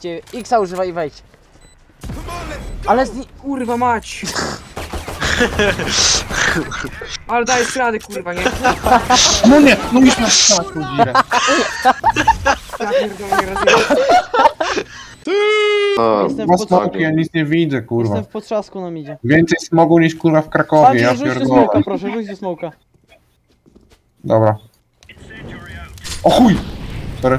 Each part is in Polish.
wejdźcie. Xa używaj i wejdź. Ale Kurwa mać! Ale dajesz radę, kurwa, nie? No nie, no już masz strzelać tą girę. Ja pierdolę, nie rozumiem. jestem Dwa w potrzasku. smoki, ja nic nie widzę, kurwa. Jestem w potrzasku nam idzie. Więcej smogu niż kurwa w Krakowie, ja Rzuć do pierdolę. smoka, proszę, rzuć do smoka. Dobra. O chuj! Sorry.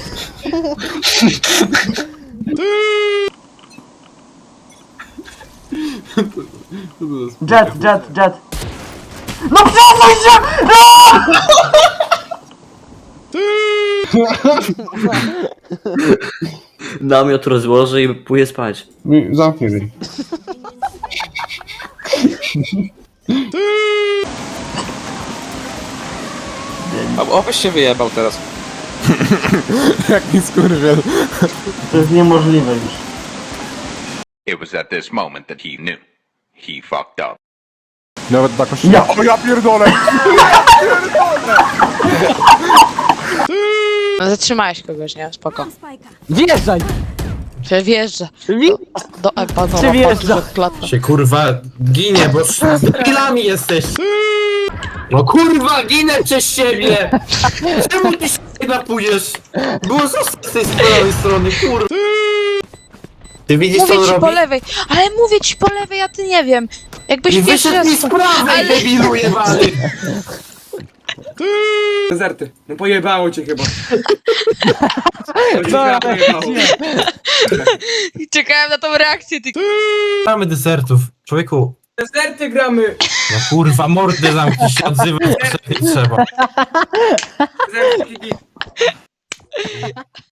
Jet. No przesuń się! Namiot rozłożę i pójdę spać. Zamknij mi. Obyś się wyjebał teraz. Jaki skurwiel. To jest niemożliwe już. It was at this moment that he knew. He fucked up. Nawet na kościele. O ja pierdolę! No zatrzymałeś kogoś, nie? Spoko. Wjeżdżaj! Wjeżdża. Do Epanowa Czy wjeżdża? klata. Się kurwa ginie, bo z debilami jesteś. No kurwa, ginę przez siebie! Czemu ty się napujesz? Było zostać z tej prawej strony, kurwa. Ty widzisz co Mówię on ci robi? po lewej, ale mówię ci po lewej, a ty nie wiem. Jakbyś I pierwszy wyszedł mi raz... z prawej, debilu jebany! Dezerty. No pojebało cię chyba. No, Pojebało. Czekałem na tą reakcję, ty... Mamy desertów. Człowieku, Dezerty gramy! no kurwa, mordę zamknij się, odzywaj, co nie trzeba. Dezerty,